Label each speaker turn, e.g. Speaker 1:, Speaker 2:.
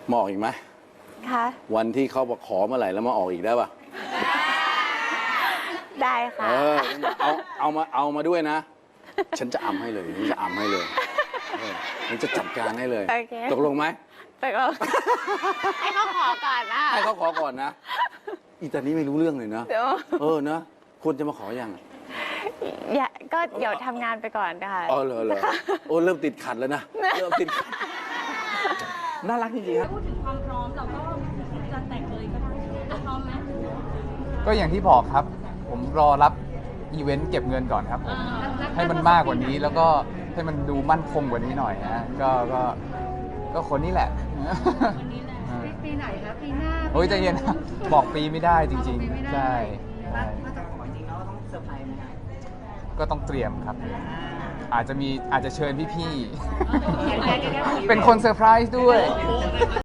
Speaker 1: มาออกอีกไหม
Speaker 2: ค่ะ
Speaker 1: วันที่เขามาขอเมื่อไหร่แล้วมาออกอีกได้ปะ
Speaker 2: ได้ค่ะ
Speaker 1: เอามาด้วยนะ ฉันจะอำให้เลยฉันจะอำให้เลยฉันจะจัดการให้เลย
Speaker 2: โอเค
Speaker 1: ตกลงไหม
Speaker 2: ไปก่อนให้เขาขอก่อนนะ
Speaker 1: ให้เขาขอก่อนนะอีตานี้ไม่รู้เรื่องเลยนะ
Speaker 2: เดี๋ยว
Speaker 1: นะควรจะมาขอยัง
Speaker 2: ก็เดี๋ยวทำงานไปก่อนค่ะ
Speaker 1: อ๋อเหรอโอ้เริ่มติดขัดแล้วนะเริ่มติดขัดน่ารักจริงๆครับ
Speaker 3: พูดถึงความพร้อมเราก็จะแต่งเลยก็ได้พร้อมไหม
Speaker 4: ก็อย่างที่บอกครับ ผมรอรับอีเวนต์เก็บเงินก่อนครับผมให้มันมากกว่านี้แล้วก็ให้มันดูมั่นคงกว่านี้หน่อยนะก็คนนี้แหละ
Speaker 3: วันนี้แหละปีไหนคะปีหน้า
Speaker 4: โอ้ยใจเย็นนะบอกปีไม่ได้จริงๆใช่
Speaker 5: ถ้าจะขอจริงแล้วต้องเซอร์ไพรส์ไหมครับ
Speaker 4: ก็ต้องเตรียมครับ อาจจะเชิญพี่ๆเป็นคนเซอร์ไพรส์ด้วย